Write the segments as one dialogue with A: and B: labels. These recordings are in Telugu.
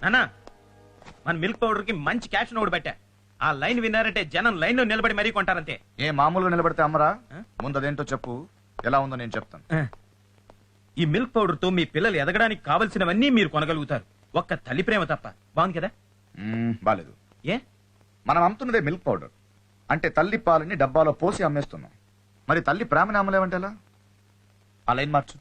A: అన్నా మన మిల్క్ పౌడర్ కి మంచి క్యాప్షన్ ఒకటి పెట్టా. ఆ లైన్ విన్నారంటే జనం లైన్ లో నిలబడి మరీ కొంటారంతే.
B: ఏ మామూలుగా నిలబడితే అమ్మరా? ముందు అదేంటో చెప్పు, ఎలా ఉందో నేను చెప్తాను.
A: ఈ మిల్క్ పౌడర్ తో మీ పిల్లలు ఎదగడానికి కావలసినవన్నీ మీరు కొనగలుగుతారు, ఒక్క తల్లి ప్రేమ తప్ప. బాగుంది కదా?
B: బాలేదు.
A: ఏ?
B: మనం అమ్ముతున్నదే మిల్క్ పౌడర్ అంటే తల్లి పాలని డబ్బాలో పోసి అమ్మేస్తున్నాం. మరి తల్లి ప్రేమని అమ్మలేమంటే ఎలా? ఆ లైన్ మార్చు.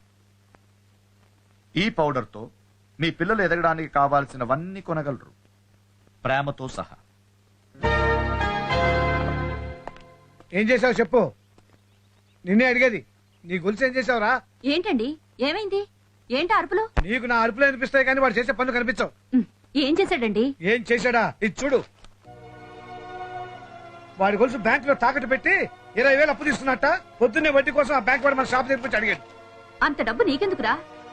B: ఈ పౌడర్ తో మీ పిల్లలు ఎదగడానికి కావాల్సినవన్నీ కొనగలరు, ప్రేమతో సహా.
C: ఏం చేసావు చెప్పు, నిన్నే అడిగేది. నీ గొలుసు ఏం చేసావురా?
D: ఏంటండి, ఏమైంది? ఏంటి అరుపులు?
C: నీకు నా అరుపులు అనిపిస్తాయి కానీ వాడు చేసే పనులు కనిపించవు.
D: ఏం చేశాడండి?
C: ఏం చేశాడా? ఇది చూడు. వాడి గొలుసు బ్యాంక్ లో తాకట్టు పెట్టి 20,000 అప్పు తీసుకున్నట్ట. పొద్దున్నే వడ్డీ కోసం ఆ బ్యాంక్ వాడు మన షాప్ తెరిపించి అడిగాడు.
D: అంత డబ్బు నీకెందుకురా?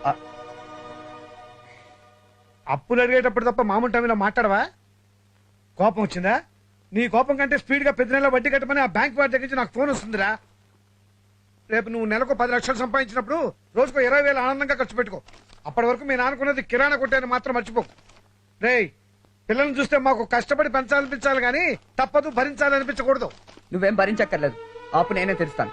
C: అప్పులు అడిగేటప్పుడు తప్ప మామూలు టైంలో మాట్లాడవా? కోపం వచ్చిందా? నీ కోపం కంటే స్పీడ్ గా పెద్ద నెల వడ్డీ కట్టమని ఆ బ్యాంక్ వాడి దగ్గర నుంచి నాకు ఫోన్ వస్తుందిరా. రేపు నువ్వు నెలకు 10 లక్షలు సంపాదించినప్పుడు రోజుకో 20,000 ఆనందంగా ఖర్చు పెట్టుకో. అప్పటి వరకు మీ నాన్నకున్నది కిరాణా కొట్టేని మాత్రం మర్చిపోకు. రేయ్, పిల్లల్ని చూస్తే మాకు కష్టపడి పెంచాలనిపించాలి కానీ తప్పదు భరించాలనిపించకూడదు.
E: నువ్వేం భరించక్కర్లేదు, ఆపు నేనే తెరుస్తాను.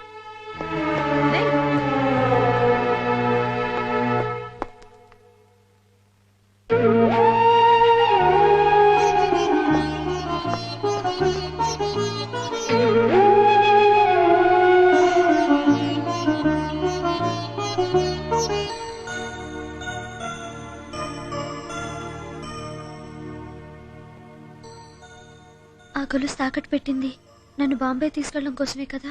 F: ఆ గొలుసు తాకట్టు పెట్టింది నన్ను బాంబే తీసుకెళ్ళడం కోసమే కదా?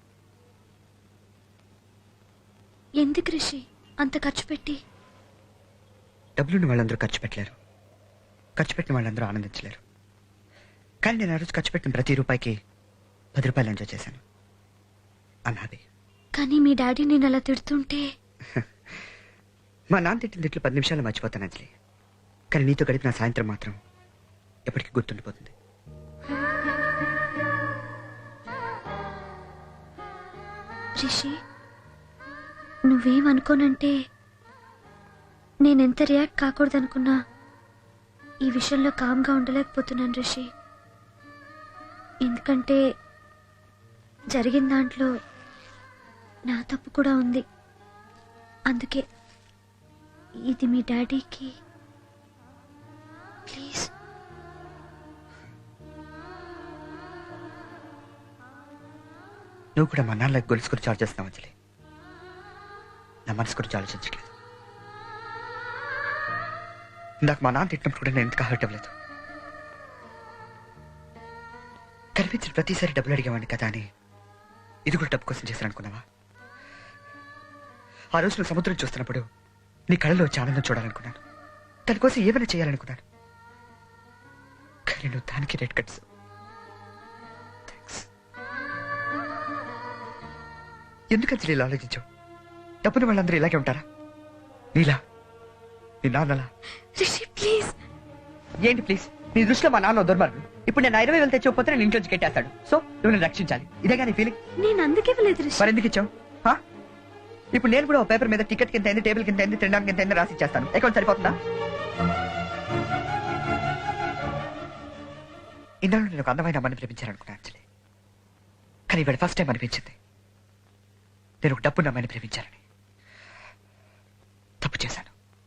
F: ఎందుకు రిషి అంత ఖర్చు పెట్టి?
E: డబ్బులున్న వాళ్ళందరూ ఖర్చు పెట్టలేరు, ఖర్చు పెట్టిన వాళ్ళందరూ ఆనందించలేరు. కానీ నేను ఆ రోజు ఖర్చు పెట్టిన ప్రతి రూపాయికి 10 రూపాయలు ఎంజాయ్ చేశాను. అన్నాది.
F: కానీ మీ డాడీ నేను అలా తిడుతుంటే
E: మా నాన్న తిట్టిన తిట్లు 10 నిమిషాలు మర్చిపోతాను అంజలి. కానీ నీతో గడిపిన సాయంత్రం మాత్రం ఎప్పటికీ గుర్తుండిపోతుంది.
F: రిషి, నువ్వేమనుకోనంటే నేనెంత రియాక్ట్ కాకూడదనుకున్నా ఈ విషయంలో కామ్గా ఉండలేకపోతున్నాను రిషి. ఎందుకంటే జరిగిన దాంట్లో నా తప్పు కూడా ఉంది. అందుకే ఇది మీ డాడీకి ప్లీజ్.
E: నువ్వు కూడా మా నాన్నలకు గొలుసు గురించి ఆలోచిస్తున్నావు అంజలి, నా మనసు గురించి ఆలోచించట్లేదు. ఇందాక మా నాన్న తిట్టినప్పుడు కూడా నేను ఎందుకు హర్ట్ అవ్వలేదు. కనిపించిన ప్రతిసారి డబ్బులు అడిగేవాడిని కదా అని ఇది కూడా డబ్బు కోసం చేశాను అనుకున్నావా? ఆ రోజు నువ్వు సముద్రం చూస్తున్నప్పుడు నీ కళ్ళలో వచ్చి ఆనందం చూడాలనుకున్నాను, దానికోసం ఏమైనా చేయాలనుకున్నాను. కానీ నువ్వు దానికి రెడ్ కట్స్. ఎందుకు అంజలి ఇలా ఆలోచించావు? డబ్బుని వాళ్ళందరూ ఇలాగే ఉంటారా? నీలా, నీ నాన్నలా?
F: ప్లీజ్.
E: ఏంటి ప్లీజ్? నీ దృష్టిలో మా నాన్న దుర్మార్గుడు. ఇప్పుడు నేను 20,000 తెచ్చిపోతే నేను ఇంట్లోంచి కట్టేస్తాడు. సో నువ్వు నేను రక్షించాలి, ఇదేగా నీ ఫీలింగ్?
F: నేను అందుకే వెళ్ళలేదు రిషి.
E: మరి ఎందుకు ఇచ్చావు? ఇప్పుడు నేను కూడా ఒక పేపర్ మీద టికెట్ కింద అయింది, టేబుల్ కింద అయింది, తినడానికి కింద అయింది రాసి ఇచ్చేస్తాను. అకౌంట్ సరిపోతుందా? ఇందులో నేను ఒక అందమైన అమ్మని ప్రేమించాలనుకున్నాను అంజలి. కానీ ఇవాళ ఫస్ట్ టైం అనిపించింది నేను ఒక డబ్బున్న అమ్మాయిని ప్రేమించాలని. తప్పు చేశాను.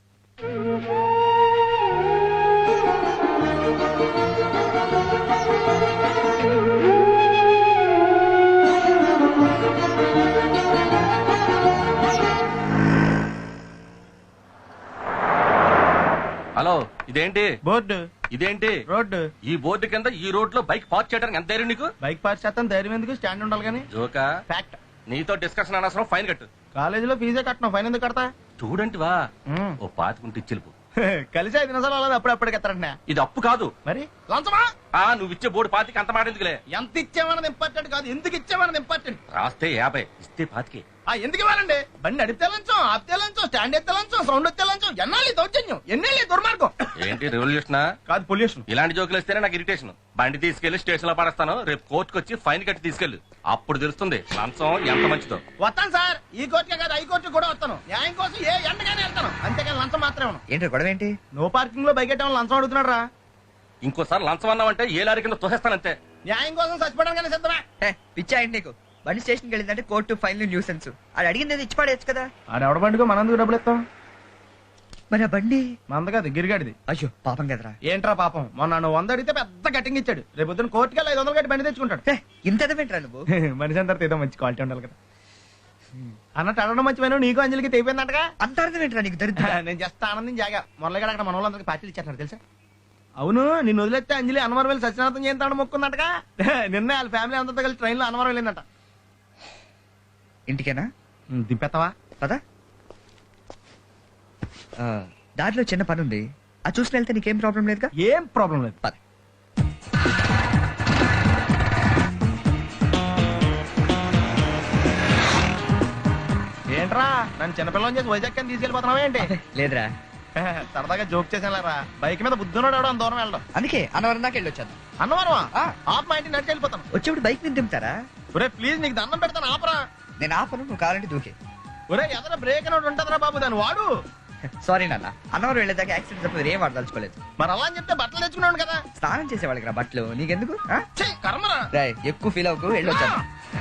G: హలో, ఇదేంటి
A: బోర్డు?
G: ఇదేంటి
A: రోడ్డు?
G: ఈ బోర్డు కింద ఈ రోడ్ లో బైక్ పార్క్ చేయడానికి ఎంత ధైర్యం నీకు?
A: బైక్ పార్క్ చేస్తాను, ధైర్యం ఎందుకు? స్టాండ్ ఉండాలి కానీ.
G: జోకా?
A: ఫ్యాక్ట్.
G: నీతో డిస్కషన్ అనవసరం, ఫైన్ కట్టు.
A: కాలేజీలో ఫీజే కట్టను, ఫైన్ ఎందుకు కడతా?
G: స్టూడెంట్ వా, ఓ పాతికుంటే ఇచ్చిలుపు.
A: కలిసి 5 నిమిషాలు అలా అప్పుడప్పుడు ఎత్తారంట.
G: ఇది అప్పు కాదు
A: మరి లంచమా?
G: నువ్వు ఇచ్చే బోర్డు పాతికి అంత మాట ఎందుకులే.
A: ఎంత ఇచ్చామన్నది ఇంపార్టెంట్ కాదు, ఎందుకు ఇచ్చామన్నది ఇంపార్టెంట్.
G: రాస్తే 50, ఇస్తే 25.
H: ఎందుకు ఇవ్వాలండి? బండి నడిపితే లంచం, ఆపితే లంచం, స్టాండ్ ఎత్తే లంచం, సౌండ్ ఎత్తే లంచం. ఎన్నాళ్ళు దౌర్జన్యం, ఎన్నేళ్ళు దుర్మార్గం.
G: ఏంటి రెవల్యూషన్?
A: కాదు పొల్యూషన్.
G: ఇలాంటి జోకులు వస్తేనే నాకు ఇరిటేషన్. బండి తీసుకెళ్లి స్టేషన్ లో పడేస్తాను, రేపు కోర్టుకు వచ్చి ఫైన్ కట్టి తీసుకెళ్ళు. అప్పుడు తెలుస్తుంది లంచం ఎంత మంచిదో.
H: వస్తాను సార్, ఈ కోర్టుకే కాదు హై కోర్టు కూడా వస్తాను. న్యాయం కోసం ఏ ఎండగానే వెళ్తాను, అంతేకాని లంచం మాత్రమే.
E: ఏంటో గొడవ ఏంటి?
H: నో పార్కింగ్ లో బైక్ ఎట్టడం లంచం అడుగుతున్నాడు రా.
G: ఇంకోసారి లంచం అన్నావంటే ఏ లారీ కింద తోసేస్తానంతే.
H: న్యాయం కోసం చచ్చిపోవడానికి సిద్ధమే.
E: పిచ్చా ఏంటి నీకు? బండి స్టేషన్కి వెళ్ళిందంటే కోర్టు ఫైన్ న్యూసెన్స్. అది అడిగింది ఇచ్చి పడేయచ్చు కదా.
H: ఆడెవడ బండికో మనందుకు డబ్బులు ఇస్తాం.
E: మరి ఆ బండి
H: మంద కాదు గిరిగాడిది.
E: అయ్యో పాపం కదరా.
H: ఏంట్రా పాపం, మొన్న నువ్వు 100 అడిగితే పెద్ద కటింగ్ ఇచ్చాడు. రేపు పొద్దున కోర్టుకి 500 కట్టి బండి తెచ్చుకుంటాడు.
E: ఇంత ఎదవేంట్రా నువ్వు?
H: మనిషి అంతా ఏదో మంచి క్వాలిటీ ఉండాలి కదా అన్నట్టు అడగడం మంచిపోయినా నీకు అంజలికి తెగిపోయిందంటగా.
E: అంత అర్థమేంట్రా నీకు? దరిద్ర
H: నేను జస్ట్ ఆనందం జాగా మొరలగడ అక్కడ మన వాళ్ళందరికీ పార్టీలు ఇచ్చేస్తున్నారు తెలుసా. అవును, నిన్ను వదిలేస్తే అంజలి అన్నవరం వెళ్ళి సత్యనాథం చేస్తాడు మొక్కుందటగా. నిన్న వాళ్ళ ఫ్యామిలీ అంతా కలిసి ట్రైన్ లో అన్నవరం వెళ్ళిందట.
E: ఇంటికేనా?
H: దింపెత్తవా?
E: పదా. దారిలో చిన్న పని ఉంది, అది చూసి వెళ్తే నీకేం ప్రాబ్లం లేదుగా?
H: ఏం ప్రాబ్లం లేదు.
E: పద.
H: ఏంట్రా నన్ను చిన్నపిల్లని చేసి వైజాగ్ అని తీసుకెళ్ళిపోతున్నావా ఏంటి?
E: లేదురా,
H: సరదాగా జోక్ చేసానులేరా. బైక్ మీద బుద్ధున్నాడు ఎవడో అంత దూరం వెళ్ళడం.
E: అందుకే అన్నవరం దాకా వెళ్ళొచ్చాను.
H: అన్నవరమా?
E: ఆ.
H: ఆప్ మా ఇంటికి నడిచి వెళ్ళిపోతాను.
E: వచ్చేప్పుడు బైక్ మీద దింపుతారా?
H: ఒరే ప్లీజ్ నీకు దండం పెడతాను ఆపరా.
E: నేను ఆపను, నువ్వు కావాలంటే దూకే.
H: ఒరే ఎదర బ్రేక్ అని ఉంటదిరా బాబు, దాన్ని వాడు.
E: సారీ నాన్న, అన్నవరం వెళ్ళేదాకా యాక్సిడెంట్ తప్ప ఏం వాడదలుచుకోలేదు.
H: మరి అలా అని చెప్తే బట్టలు తెచ్చుకున్నాను కదా.
E: స్నానం చేసేవాళ్ళకి రా బట్టలు, నీకెందుకు?
H: ఛీ, కర్మరా.
E: రాయ్ ఎక్కువ ఫీల్ అవ్వకు, వెళ్ళొచ్చాను.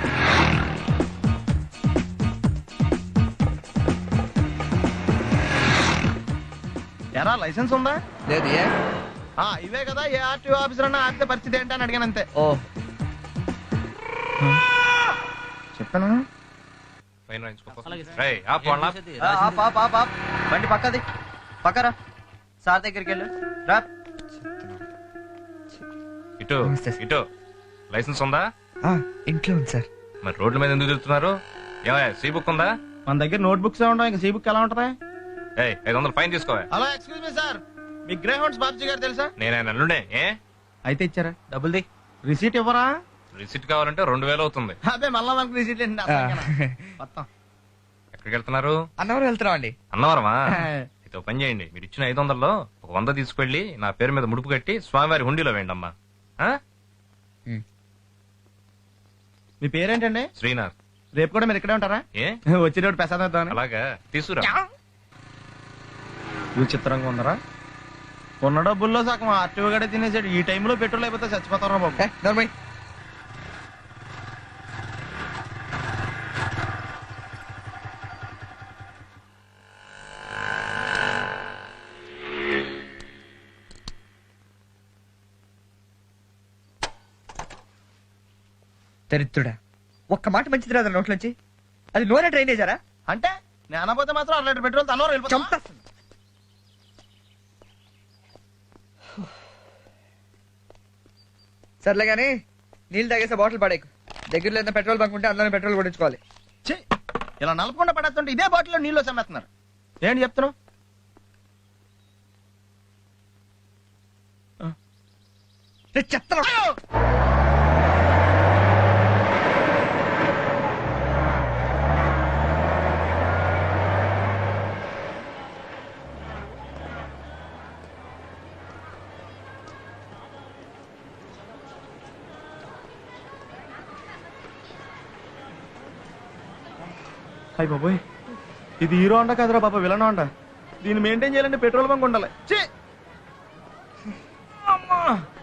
H: ఎరా లైసెన్స్ ఉందా?
E: లేదు. ఏ?
H: ఇవే కదా ఏ ఆర్టీఓ ఆఫీసర్ అన్నా ఆపితే పరిస్థితి ఏంటి అని అడిగాను అంతే.
E: ఓ
H: చెప్పాను.
I: బండి పక్కది పక్కరా, సార్ దగ్గరికి వెళ్ళు రా.
G: ఇటు
E: నమస్తే సార్.
G: ఇటు లైసెన్స్ ఉందా?
E: ఇంట్లో ఉంది సార్.
G: మరి రోడ్ల మీద ఎందుకు తిరుగుతున్నారు? ఏమయ్య సీ బుక్ ఉందా?
H: మన దగ్గర నోట్ బుక్స్ ఉండవు, ఇంకా సీ బుక్ ఎలా ఉంటది?
G: 500 ఫైన్ తీసుకోవా.
H: హలో ఎక్స్క్యూజ్ మీ సార్, మీ గ్రే హౌండ్స్ బాబ్జీ గారు తెలుసా?
G: నేను ఆయన అల్లుడే. ఏ
H: అయితే ఇచ్చారా? డబ్బుల్ది రిసీట్ ఇవ్వరా?
G: రిసిట్ కావాలంటే 2000 అవుతుంది.
H: అదే మళ్ళా మనకి రిసీట్ ఏంటి మొత్తం.
G: ఎక్కడికి వెళ్తున్నారు?
E: అన్నవరం వెళ్తున్నాం అండి.
G: అన్నవరమా? అయితే ఒక పని చేయండి, మీరు ఇచ్చిన 500లో ఒక 100 తీసుకెళ్లి నా పేరు మీద ముడుపు కట్టి స్వామివారి హుండీలో వేయండి అమ్మా.
H: మీ పేరేంటండి?
G: శ్రీనాథ్.
H: రేపు కూడా మీరు ఇక్కడే ఉంటారా?
G: ఏ
H: వచ్చేటప్పుడు ప్రసాదం ఇద్దామని.
G: అలాగా తీసుకురా.
H: విచిత్రంగా ఉందరా. ఉన్న డబ్బుల్లో సగం ఆర్టీఓ గడే తినేసాడు. ఈ టైంలో పెట్రోల్ అయిపోతే చచ్చిపోతారా బాబు.
E: నర్మయ్ దరిద్రుడా, ఒక్క మాట మంచిది రాదా నోట్లోంచి? అది నూనె డ్రైనేజారా?
H: అంటే నేను అనబోతే మాత్రం 1 లీటర్ పెట్రోల్ తనలో వెళ్ళిపోతాం.
E: చంపేస్తుంది. సర్లే కానీ నీళ్ళు తాగేసే బాటిల్ పడేకు. దగ్గరలో ఏదైనా పెట్రోల్ బంక్ ఉంటే అందులోనే పెట్రోల్ కొట్టించుకోవాలి.
H: ఇలా నలపకుండా పడేస్తుంటే ఇదే బాటిల్లో నీళ్ళు చమ్మేస్తున్నారు. ఏంటి చెప్తున్నావు?
E: చెప్తాను.
H: అయ్య బాబోయ్, ఇది హీరో హోండా కాదురా బాబా, విలన్ హోండా. దీన్ని మెయింటైన్ చేయాలంటే పెట్రోల్ బంక్ ఉండాలి. అమ్మా